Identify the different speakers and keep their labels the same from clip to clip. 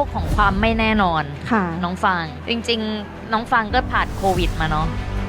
Speaker 1: กของความไม่แน่นอน
Speaker 2: ค่ะ
Speaker 1: น้องฟางจริงๆน้องฟางก็ผ่านโควิดมาเนาะ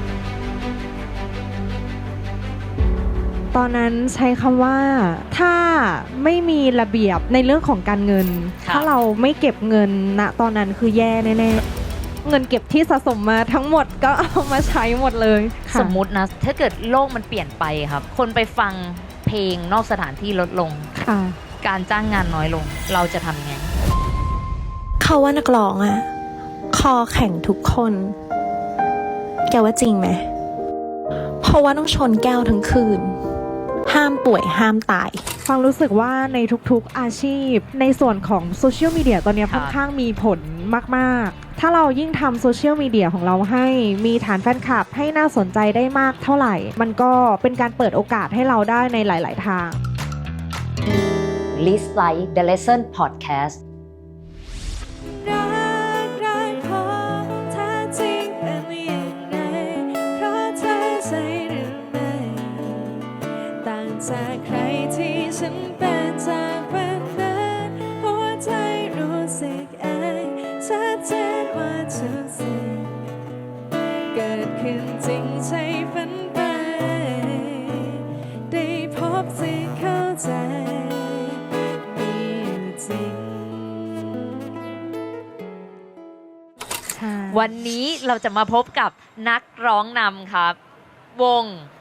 Speaker 2: ตอนนั้นใช้คำว่าถ้าไม่มีระเบียบในเรื่องของการเงินถ้าเราไม่เก็บเงินณตอนนั้นคือแย่แน่ๆเงินเก็บที่สะสมมาทั้งหมดก็เอามาใช้หมดเลย
Speaker 1: สมมุตินะถ้าเกิดโลกมันเปลี่ยนไปครับคนไปฟังเพลงนอกสถานที่ลดลงการจ้างงานน้อยลงเราจะทำยังไง
Speaker 3: เขาว่านักร้องอะคอแข็งทุกคนแกว่าจริงไหมเพราะว่าต้องชนแก้วทั้งคืนห้ามป่วยห้ามตาย
Speaker 2: ฟังรู้สึกว่าในทุกๆอาชีพในส่วนของโซเชียลมีเดียตอนนี้ค่อนข้างมีผลมากๆถ้าเรายิ่งทำโซเชียลมีเดียของเราให้มีฐานแฟนคลับให้น่าสนใจได้มากเท่าไหร่มันก็เป็นการเปิดโอกาสให้เราได้ในหลายๆทาง
Speaker 1: List Like The Lesson Podcast
Speaker 3: จากใครที่ฉันเป็นจากวันนั้นหัวใจรู้สึกเองชัดเจนว่าทุกสิ่งเกิดขึ้นจริงใช่ฝันไปได้พบสิ่งเข้าใจมีอยู่จริง
Speaker 1: วันนี้เราจะมาพบกับนักร้องนำครับวง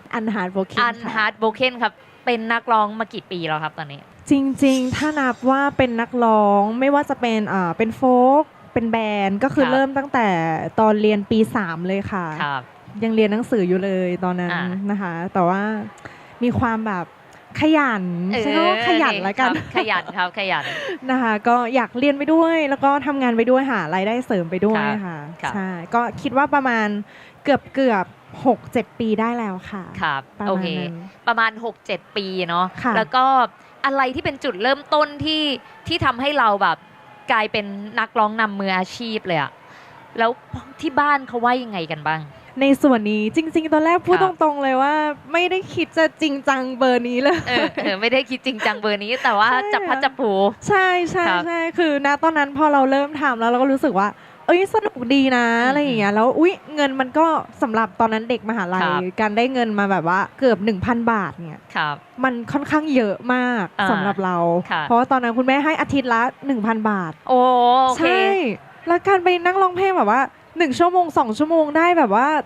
Speaker 2: Unheartbroken
Speaker 1: ครับเป็นนักร้องมากี่ปีแล้วครับตอนนี้
Speaker 2: จริงๆถ้านับว่าเป็นนักร้องไม่ว่าจะเป็นโฟล์กเป็นแบนด์ก็คือเริ่มตั้งแต่ตอนเรียนปี3เลยค่ะยังเรียนหนังสืออยู่เลยตอนนั้นนะคะแต่ว่ามีความแบบขยันใช่ไหมว่าขยันแล้วกัน
Speaker 1: ขยันครับขยัน
Speaker 2: นะคะก็อยากเรียนไปด้วยแล้วก็ทำงานไปด้วยหารายได้เสริมไปด้วยค่ะใช่ก็คิดว่าประมาณเกือบ6-7 ปีได้แล้วค่ะ
Speaker 1: ครับโอเคประมาณ 6-7 ปีเนาะแล้วก็อะไรที่เป็นจุดเริ่มต้นที่ทำให้เราแบบกลายเป็นนักร้องนำมืออาชีพเลยอะแล้วที่บ้านเขาว่ายังไงกันบ้าง
Speaker 2: ในส่วนนี้จริงๆตอนแรกพูดตรงๆเลยว่าไม่ได้คิดจะจริงจังเบอร์นี้เลย
Speaker 1: ไม่ได้คิดจริงจังเบอร์นี้แต่ว่าจับพัดจับผู
Speaker 2: ใช่ใช่ใช่คือณตอนนั้นพอเราเริ่มทำแล้วเราก็รู้สึกว่าสนุกดีนะอะไรอย่างเงี้ยแล้วเงินมันก็สำหรับตอนนั้นเด็กมหาลัยการได้เงินมาแบบว่าเกือบ 1,000 บาทเนี่ยมันค่อนข้างเยอะมากสำหรับเราเพราะว่าตอนนั้นคุณแม่ให้อาทิตย์ละ 1,000 บาท
Speaker 1: โอเค
Speaker 2: ใช่แล้วการไปนั่งร้องเพลงแบบว่า1 ชั่วโมง2 ชั่วโมงได้แบบว่า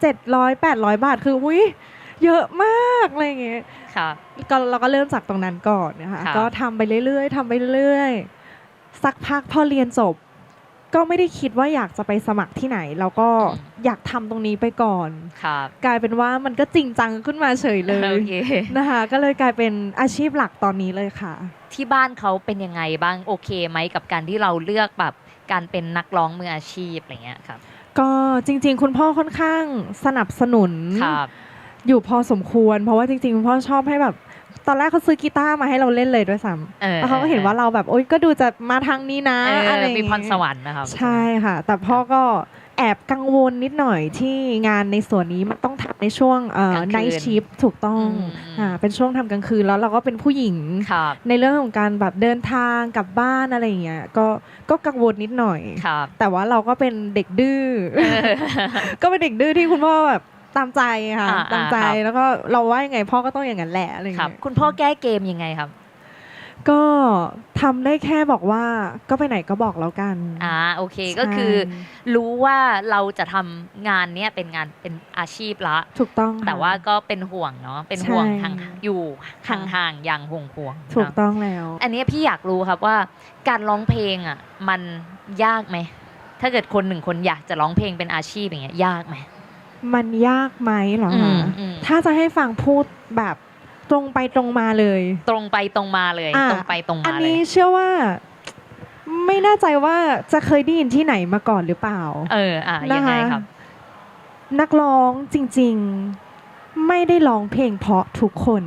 Speaker 2: 700-800 บาทคือเยอะมากอะไรอย่างเงี้ยก็เราก็เริ่มจากตรงนั้นก่อนนะคะก็ทำไปเรื่อยๆทำไปเรื่อยๆสักพักพอเรียนจบก็ไม่ได้คิดว่าอยากจะไปสมัครที่ไหนแล้วก็อยากทำตรงนี้ไปก่อนกลายเป็นว่ามันก็จริงจังขึ้นมาเฉยเลยนะคะก็เลยกลายเป็นอาชีพหลักตอนนี้เลยค่ะ
Speaker 1: ที่บ้านเขาเป็นยังไงบ้างโอเคไหมกับการที่เราเลือกแบบการเป็นนักร้องมืออาชีพอะไรเงี้ยครับ
Speaker 2: ก็จริงๆคุณพ่อค่อนข้างสนับสนุนอยู่พอสมควรเพราะว่าจริงๆคุณพ่อชอบให้แบบตอนแรกเขาซื้อกีตาร์มาให้เราเล่นเลยด้วยซ้ำแล้วเขาก็เห็นว่าเราแบบก็ดูจะมาทางนี้นะอะไร
Speaker 1: มีพรสวรรค์นะครับ
Speaker 2: ใช่ค่ะแต่พ่อก็แอบกังวลนิดหน่อยที่งานในส่วนนี้มันต้องทำในช่วงไนท์ชิฟถูกต้องเป็นช่วงทำกลางคืนแล้วเราก็เป็นผู้หญิงในเรื่องของการแบบเดินทางกลับบ้านอะไรอย่างเงี้ยก็กังวลนิดหน่อยแต่ว่าเราก็เป็นเด็กดื้อก็เป็นเด็กดื้อที่คุณพ่อแบบตามใจค่ะตามใจแล้วก็เราว่ายังไงพ่อก็ต้องอย่างนั้นแหละอะไรอย่างเงี้ย
Speaker 1: คุณพ่อแก้เกมยังไงครับ
Speaker 2: ก็ทำได้แค่บอกว่าก็ไปไหนก็บอกแล้วกัน
Speaker 1: โอเคก็คือรู้ว่าเราจะทำงานเนี้ยเป็นงานเป็นอาชีพละ
Speaker 2: ถูกต้อง
Speaker 1: แต่ว่าก็เป็นห่วงเนาะเป็นห่วงทางอยู่ห่างๆอย่างห่วง
Speaker 2: ถูกต้องแล้ว
Speaker 1: อันนี้พี่อยากรู้ครับว่าการร้องเพลงอ่ะมันยากไหมถ้าเกิดคนหนึ่งคนอยากจะร้องเพลงเป็นอาชีพอย่างเงี้ยยากไหม
Speaker 2: มันยากไหมเหรอคะถ้าจะให้ฟังพูดแบบตรงไปตรงมาเลย
Speaker 1: ตรงไปตรงมาเลยตรงไปตรงมาเลย
Speaker 2: อันนี้เชื่อว่าไม่แน่ใจว่าจะเคยได้ยินที่ไหนมาก่อนหรือเปล่า
Speaker 1: ยังไงครับ
Speaker 2: นักร้องจริงๆไม่ได้ร้องเพลงเพราะทุกคน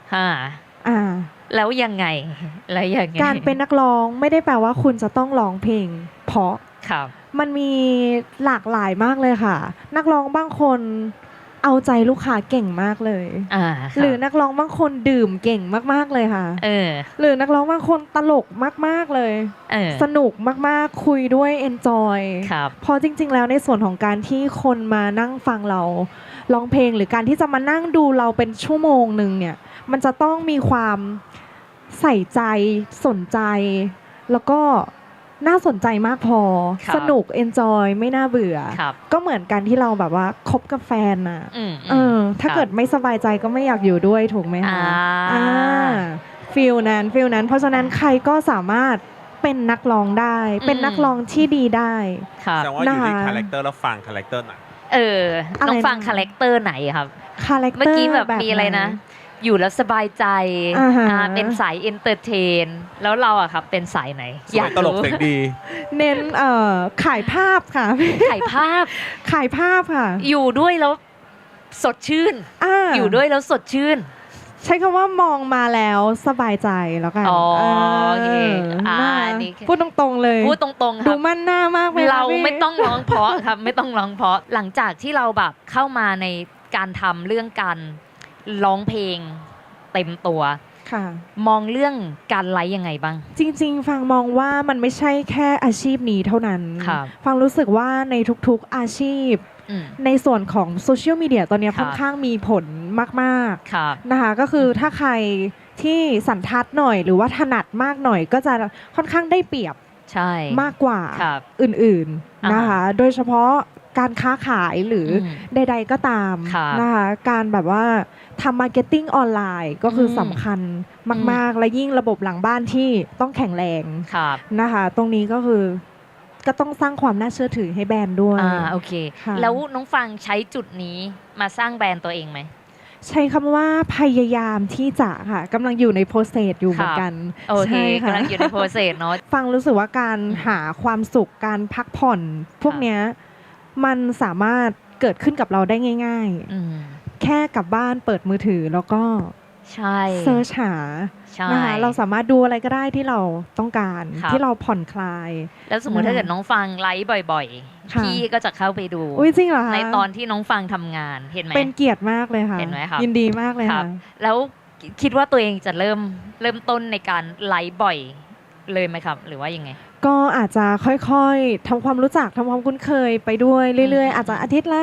Speaker 1: แล้วยังไง
Speaker 2: การเป็นนักร้องไม่ได้แปลว่าคุณจะต้องร้องเพลงเพราะมันมีหลากหลายมากเลยค่ะนักร้องบางคนเอาใจลูกค้าเก่งมากเลยหรือนักร้องบางคนดื่มเก่งมากๆเลยค่ะหรือนักร้องบางคนตลกมากๆเลยสนุกมากๆคุยด้วยเอนจอยพอจริงๆแล้วในส่วนของการที่คนมานั่งฟังเราร้องเพลงหรือการที่จะมานั่งดูเราเป็นชั่วโมงนึงเนี่ยมันจะต้องมีความใส่ใจสนใจแล้วก็น่าสนใจมากพอสนุกเอนจอยไม่น่าเบื่อก็เหมือนกันที่เราแบบว่าคบกับแฟนน่ะถ้าเกิดไม่สบายใจก็ไม่อยากอยู่ด้วยถูกไหมคะฟีลนั้นเพราะฉะนั้นใครก็สามารถเป็นนักร้องได้เป็นนักร้องที่ดีได้
Speaker 4: แสดงว่าอยู่ที่คาแรคเตอร์แล้วฟังคาแรคเตอร์ไหน
Speaker 1: น้องฟังคาแรคเตอร์ไหนครับเมื่อกี้แบบมีอะไรนะอยู่แล้วสบายใจเป็นสายเอนเตอร์เทนแล้วเราอะครับเป็นสายไหน
Speaker 4: อยากตลกเสียงดี
Speaker 2: เน้นขายภาพค่ะ
Speaker 1: ขายภาพ
Speaker 2: ค่ะ
Speaker 1: อยู่ด้วยแล้วสดชื่นอยู่ด้วยแล้วสดชื่น
Speaker 2: ใช้คำว่ามองมาแล้วสบายใจแล้วกัน
Speaker 1: โอเค
Speaker 2: พูดตรงๆเลย
Speaker 1: พูดตรงๆครับ
Speaker 2: ดูมั่นหน้ามากเลย
Speaker 1: เราไม่ต้องร้องเพราะครับไม่ต้องร้องเพราะหลังจากที่เราแบบเข้ามาในการทำเรื่องการร้องเพลงเต็มตัวมองเรื่องการไลฟ์ยังไงบ้าง
Speaker 2: จริงๆฟังมองว่ามันไม่ใช่แค่อาชีพนี้เท่านั้นฟังรู้สึกว่าในทุกๆอาชีพในส่วนของโซเชียลมีเดียตอนนี้ค่อนข้างมีผลมากๆนะคะก็คือถ้าใครที่สันทัดหน่อยหรือว่าถนัดมากหน่อยก็จะค่อนข้างได้เปรียบมากกว่าอื่นๆนะคะโดยเฉพาะการค้าขายหรือใดๆก็ตามนะคะการแบบว่าทำมาร์เก็ตติ้งออนไลน์ก็คือสำคัญมากๆและยิ่งระบบหลังบ้านที่ต้องแข็งแรงนะคะตรงนี้ก็คือก็ต้องสร้างความน่าเชื่อถือให้แบรนด์ด้วย
Speaker 1: โอเคแล้วน้องฟังใช้จุดนี้มาสร้างแบรนด์ตัวเองไหม
Speaker 2: ใช้คำว่าพยายามที่จะค่ะกำลังอยู่ในโปรเซสอยู่เหมือนกัน
Speaker 1: โอเคกำลังอยู่ในโปรเซสเนาะ
Speaker 2: ฟังรู้สึกว่าการหาความสุขการพักผ่อนพวกเนี้ยมันสามารถเกิดขึ้นกับเราได้ง่ายๆแค่กลับบ้านเปิดมือถือแล้วก็เซิร์ชหานะคะเราสามารถดูอะไรก็ได้ที่เราต้องการที่เราผ่อนคลาย
Speaker 1: แล้วสมมติถ้าเกิดน้องฟังไลฟ์บ่อยๆพี่ก็จะเข้าไปดู
Speaker 2: จริงเหรอคะ
Speaker 1: ในตอนที่น้องฟังทำงานเห็นไหม
Speaker 2: เป็นเกียรติมากเลยค่ะ
Speaker 1: เห็นไหมครับ
Speaker 2: ยินดีมากเลยค่ะ
Speaker 1: แล้วคิดว่าตัวเองจะเริ่มต้นในการไลฟ์บ่อยเลยไหมครับหรือว่ายังไง
Speaker 2: ก็อาจจะค่อยๆทำความรู้จักทำความคุ้นเคยไปด้วยเรื่อยๆอาจจะอาทิตย์ละ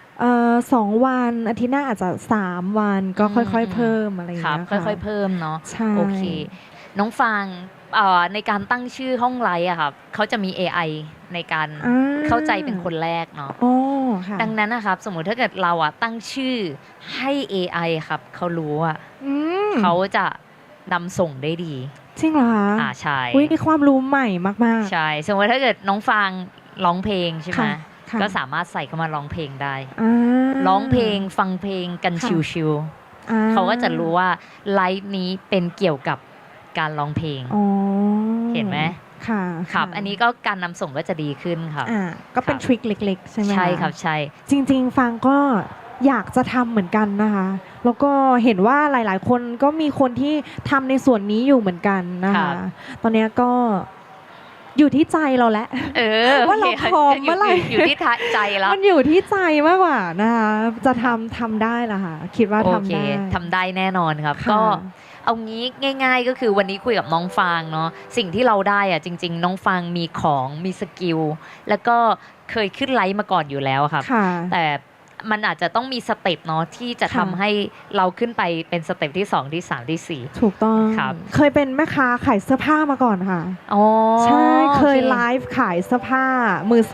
Speaker 2: 2 วันอาทิตย์หน้าอาจจะ3 วันก็ค่อยๆเพิ่มอะไรอย่างเงี้ย
Speaker 1: ค่ะค่อยๆเพิ่มเนาะ
Speaker 2: ใช่
Speaker 1: โอเคน้องฟังในการตั้งชื่อห้องไลฟ์อะครับเขาจะมี AI ในการเข้าใจเป็นคนแรกเนาะดังนั้นนะครับสมมุติถ้าเกิดเราอะตั้งชื่อให้ AI ครับเขารู้อะเขาจะนำส่งได้ดี
Speaker 2: จริงเหรอคะ
Speaker 1: ใช่
Speaker 2: มีความรู้ใหม่มาก
Speaker 1: ๆใช่สมมติถ้าเกิดน้องฟังร้องเพลงใช่ไหมก็สามารถใส่เข้ามาร้องเพลงได้ร้องเพลงฟังเพลงกันชิวๆเขาก็จะรู้ว่าไลฟ์นี้เป็นเกี่ยวกับการร้องเพลงเห็นไหม
Speaker 2: ค่ะ
Speaker 1: ครับอันนี้ก็การนำส่งก็จะดีขึ้นครับ
Speaker 2: ก็เป็นทริคเล็กๆใช่ไหม
Speaker 1: ใช่ครับใช่
Speaker 2: จริงๆฟังก็อยากจะทำเหมือนกันนะคะแล้วก็เห็นว่าหลายๆคนก็มีคนที่ทำในส่วนนี้อยู่เหมือนกันนะคะตอนนี้ก็อยู่ที่ใจเราแล้วว่าเราพร้อมเมื่อไหร่
Speaker 1: อยู่ที่ใจแล้ว
Speaker 2: มันอยู่ที่ใจมากกว่านะคะจะทำได้ละค่ะคิดว่า
Speaker 1: ทำได้แน่นอนครับก็เอางี้ง่ายๆก็คือวันนี้คุยกับน้องฟางเนาะสิ่งที่เราได้อะจริงๆน้องฟางมีของมีสกิลแล้วก็เคยขึ้นไลฟ์มาก่อนอยู่แล้วครับแต่มันอาจจะต้องมีสเต็ปเนาะที่จะทำให้เราขึ้นไปเป็นสเต็ปที่2ที่3ที่4
Speaker 2: ถูกต้องครับเคยเป็นแม่ค้าขายเสื้อผ้ามาก่อนค่ะใช่เคยไลฟ์ขายเสื้อผ้ามือ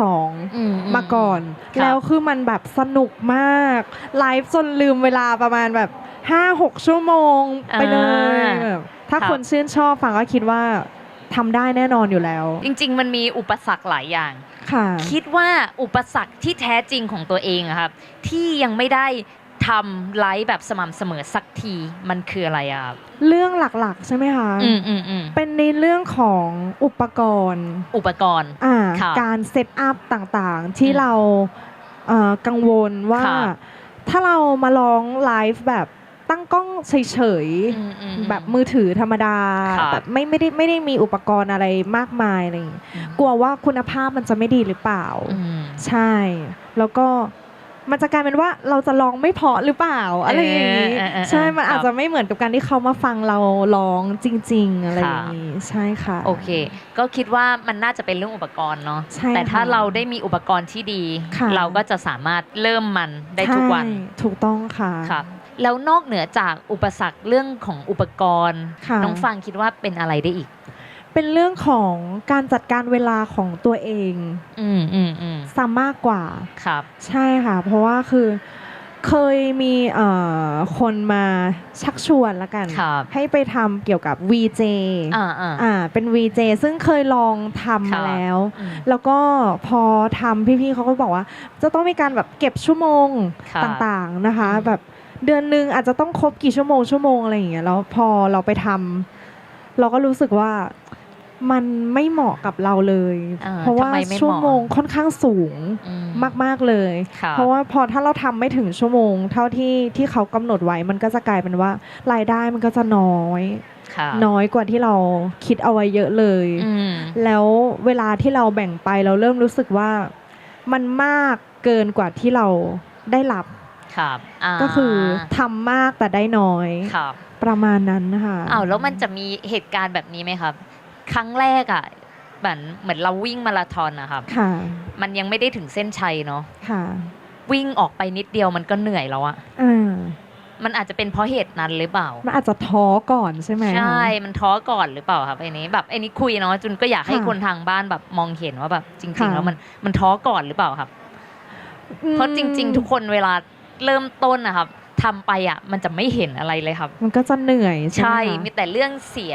Speaker 2: 2มาก่อนแล้วคือมันแบบสนุกมากไลฟ์จนลืมเวลาประมาณแบบ 5-6 ชั่วโมงไปเลยแบบถ้าคนชื่นชอบฟังก็คิดว่าทำได้แน่นอนอยู่แล้ว
Speaker 1: จริงๆมันมีอุปสรรคหลายอย่างคิดว่าอุปสรรคที่แท้จริงของตัวเองครับที่ยังไม่ได้ทำไลฟ์แบบสม่ำเสมอสักทีมันคืออะไรครับ
Speaker 2: เรื่องหลักๆใช่ไหมคะเป็นในเรื่องของอุปกรณ์การเซตอัพต่างๆที่เรากังวลว่าถ้าเรามาลองไลฟ์แบบตั้งกล้องเฉยๆแบบมือถือธรรมดาแบบไม่ได้มีอุปกรณ์อะไรมากมายอะไรกลัวว่าคุณภาพมันจะไม่ดีหรือเปล่าใช่แล้วก็มันจะกลายเป็นว่าเราจะร้องไม่เพราะหรือเปล่าอะไรอย่างนี้ใช่มันอาจจะไม่เหมือนกับการที่เขามาฟังเราร้องจริงๆอะไรอย่างนี้ใช่ค่ะ
Speaker 1: โอเคก็คิดว่ามันน่าจะเป็นเรื่องอุปกรณ์เนาะแต่ถ้าเราได้มีอุปกรณ์ที่ดีเราก็จะสามารถเริ่มมันได้ทุกวัน
Speaker 2: ถูกต้องค่ะ
Speaker 1: ครับแล้วนอกเหนือจากอุปสรรคเรื่องของอุปกรณ์น้องฟังคิดว่าเป็นอะไรได้อีก
Speaker 2: เป็นเรื่องของการจัดการเวลาของตัวเองซะมากกว่า
Speaker 1: ครับ
Speaker 2: ใช่ค่ะเพราะว่าคือเคยมีคนมาชักชวนละกันให้ไปทำเกี่ยวกับ VJ เป็น VJ ซึ่งเคยลองทำมาแล้วก็พอทำพี่ๆเขาก็บอกว่าจะต้องมีการแบบเก็บชั่วโมงต่างๆนะคะแบบเดือนนึงอาจจะต้องครบกี่ชั่วโมงอะไรอย่างเงี้ยแล้วพอเราไปทำเราก็รู้สึกว่ามันไม่เหมาะกับเราเลยเพราะว่าชั่วโมงค่อนข้างสูงมากๆเลยเพราะว่าพอถ้าเราทำไม่ถึงชั่วโมงเท่าที่เขากำหนดไว้มันก็จะกลายเป็นว่ารายได้มันก็จะน้อยกว่าที่เราคิดเอาไว้เยอะเลยแล้วเวลาที่เราแบ่งไปเราเริ่มรู้สึกว่ามันมากเกินกว่าที่เราได้รับก็คือทำมากแต่ได้น้อยประมาณนั้นนะคะ
Speaker 1: แล้วมันจะมีเหตุการณ์แบบนี้ไหมครับครั้งแรกอ่ะเหมือนเราวิ่งมาราธอนนะครับมันยังไม่ได้ถึงเส้นชัยเนาะวิ่งออกไปนิดเดียวมันก็เหนื่อยแล้วอะมันอาจจะเป็นเพราะเหตุนั้นหรือเปล่า
Speaker 2: มันอาจจะท้อก่อนใช่ไหม
Speaker 1: ใช่มันท้อก่อนหรือเปล่าครับไอ้นี้คุยเนาะจุนก็อยากให้คนทางบ้านแบบมองเห็นว่าแบบจริงๆแล้วมันท้อก่อนหรือเปล่าครับเพราะจริงๆทุกคนเวลาเริ่มต้นนะครับทำไปอ่ะมันจะไม่เห็นอะไรเลยครับ
Speaker 2: มันก็จะเหนื่อย
Speaker 1: ใช่มีแต่เรื่องเสีย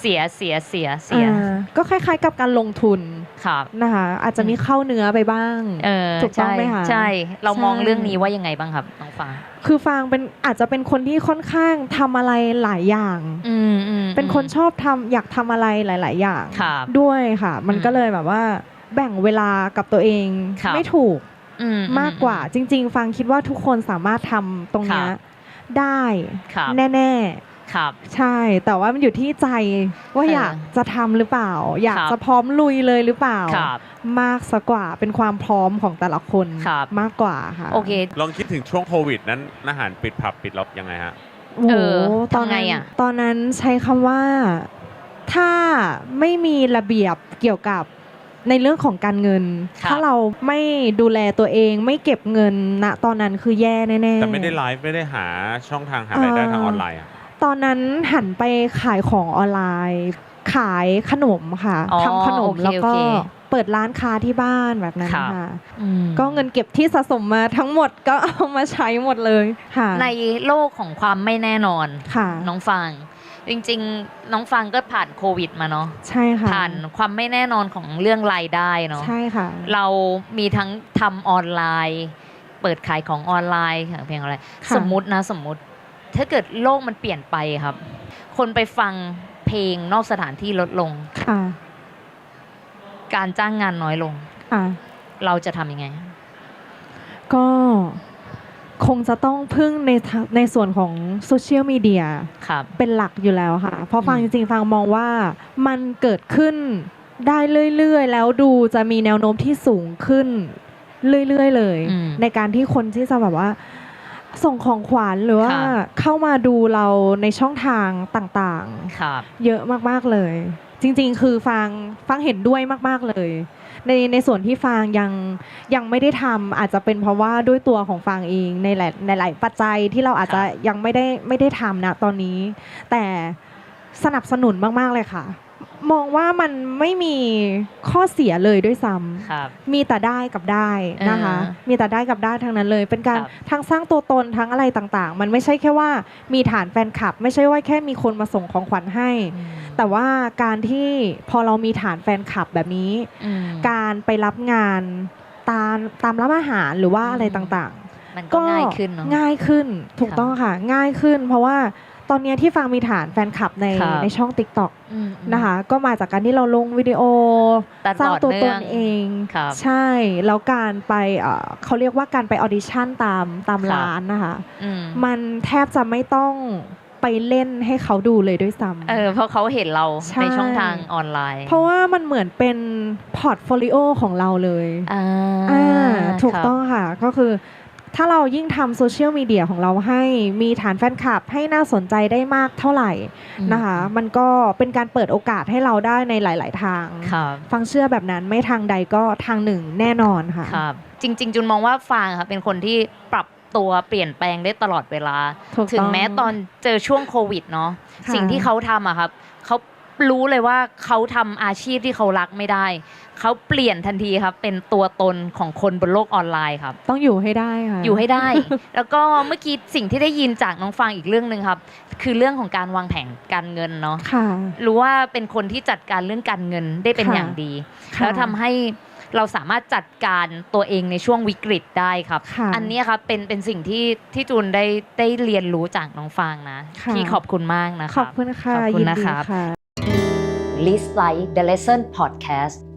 Speaker 2: ก็คล้ายๆกับการลงทุนนะคะอาจจะมีเข้าเนื้อไปบ้างถูกต้องไหมคะ
Speaker 1: ใช่เรามองเรื่องนี้ว่ายังไงบ้างครับน้องฟาง
Speaker 2: คือฟางอาจจะเป็นคนที่ค่อนข้างทำอะไรหลายอย่างเป็นคนชอบอยากทำอะไรหลายๆอย่างด้วยค่ะมันก็เลยแบบว่าแบ่งเวลากับตัวเองไม่ถูกมากกว่าจริงๆฟังคิดว่าทุกคนสามารถทำตรงนี้ได้แน่ๆใช่แต่ว่ามันอยู่ที่ใจว่าอยากจะทำหรือเปล่าอยากจะพร้อมลุยเลยหรือเปล่ามากซะกว่าเป็นความพร้อมของแต่ละคนมากกว่าค่ะ
Speaker 1: โอเค
Speaker 4: ลองคิดถึงช่วงโควิดนั้นอาหารปิดผับปิดล็อกยังไงฮะ
Speaker 2: ตอนนั้นใช้คำว่าถ้าไม่มีระเบียบเกี่ยวกับในเรื่องของการเงินถ้าเราไม่ดูแลตัวเองไม่เก็บเงินณตอนนั้นคือแย่แน่ๆ
Speaker 4: แต่ไม่ได้ไลฟ์ไม่ได้หาช่องทางหารายได้ทางออนไลน์
Speaker 2: ตอนนั้นหันไปขายของออนไลน์ขายขนมค่ะทำขนมแล้วก็เปิดร้านค้าที่บ้านแบบนั้นค่ะก็เงินเก็บที่สะสมมาทั้งหมดก็เอามาใช้หมดเลยค่ะ
Speaker 1: ในโลกของความไม่แน่นอนน้องฟางจริงๆน้องฟังก็ผ่านโควิดมาเนาะ
Speaker 2: ใช่ค่ะ
Speaker 1: ผ่านความไม่แน่นอนของเรื่องรายได้เนาะ
Speaker 2: ใช่ค่ะ
Speaker 1: เรามีทั้งทำออนไลน์เปิดขายของออนไลน์เพียงอะไรสมมุติถ้าเกิดโลกมันเปลี่ยนไปครับคนไปฟังเพลงนอกสถานที่ลดลงการจ้างงานน้อยลงเราจะทำยังไง
Speaker 2: ก็คงจะต้องพึ่งในส่วนของโซเชียลมีเดียเป็นหลักอยู่แล้วค่ะเพราะฟังจริงๆฟังมองว่ามันเกิดขึ้นได้เรื่อยๆแล้วดูจะมีแนวโน้มที่สูงขึ้นเรื่อยๆเลยในการที่คนที่จะแบบว่าส่งของขวัญหรือว่าเข้ามาดูเราในช่องทางต่างๆเยอะมากๆเลยจริงๆคือฟังเห็นด้วยมากๆเลยในส่วนที่ฟางยังไม่ได้ทำอาจจะเป็นเพราะว่าด้วยตัวของฟางเองในหลายปัจจัยที่เราอาจจะยังไม่ได้ทำนะตอนนี้แต่สนับสนุนมากๆเลยค่ะมองว่ามันไม่มีข้อเสียเลยด้วยซ้ำมีแต่ได้กับได้นะคะมีแต่ได้กับได้ทั้งนั้นเลยเป็นการทั้งสร้างตัวตนทั้งอะไรต่างๆมันไม่ใช่แค่ว่ามีฐานแฟนคลับไม่ใช่ว่าแค่มีคนมาส่งของขวัญให้แต่ว่าการที่พอเรามีฐานแฟนคลับแบบนี้การไปรับงานตามร้านอาหารหรือว่าอะไรต่าง
Speaker 1: ๆมันก็ง่ายขึ้นเนาะ
Speaker 2: ง่ายขึ้นถูกต้องค่ะง่ายขึ้นเพราะว่าตอนนี้ที่ฟังมีฐานแฟนคลับในช่อง TikTok นะคะก็มาจากการที่เราลงวิดีโอสร้างตัวตนเองใช่แล้วการไปเขาเรียกว่าการไปออดิชั่นตามร้านนะคะมันแทบจะไม่ต้องไปเล่นให้เขาดูเลยด้วยซ้ำ
Speaker 1: เพราะเขาเห็นเราในช่องทางออนไลน์
Speaker 2: เพราะว่ามันเหมือนเป็นพอร์ตโฟลิโอของเราเลยถูกต้องค่ะก็คือถ้าเรายิ่งทำโซเชียลมีเดียของเราให้มีฐานแฟนคลับให้น่าสนใจได้มากเท่าไหร่นะคะมันก็เป็นการเปิดโอกาสให้เราได้ในหลาย ๆ ทางฟังเชื่อแบบนั้นไม่ทางใดก็ทางหนึ่งแน่นอนค่ะ
Speaker 1: ครับจริงๆจุนมองว่าฟางค่ะเป็นคนที่ปรับตัวเปลี่ยนแปลงได้ตลอดเวลาถึงแม้ตอนเจอช่วงโควิดเนาะสิ่งที่เขาทำอะครับเขารู้เลยว่าเขาทำอาชีพที่เขารักไม่ได้เขาเปลี่ยนทันทีครับเป็นตัวตนของคนบนโลกออนไลน์ครับ
Speaker 2: ต้องอยู่ให้ได้ค่ะ
Speaker 1: อยู่ให้ได้ แล้วก็เมื่อกี้สิ่งที่ได้ยินจากน้องฟางอีกเรื่องนึงครับคือเรื่องของการวางแผนการเงินเนาะรู้ว่าเป็นคนที่จัดการเรื่องการเงินได้เป็นอย่างดีแล้วทำให้เราสามารถจัดการตัวเองในช่วงวิกฤตได้ครับอันนี้ครับเป็นสิ่งที่จูนได้เรียนรู้จากน้องฟางนะที่ขอบคุณมากนะครับ
Speaker 2: ขอบคุณค่ะ
Speaker 1: ขอบคุณนะครับ
Speaker 5: List Like the Lesson Podcast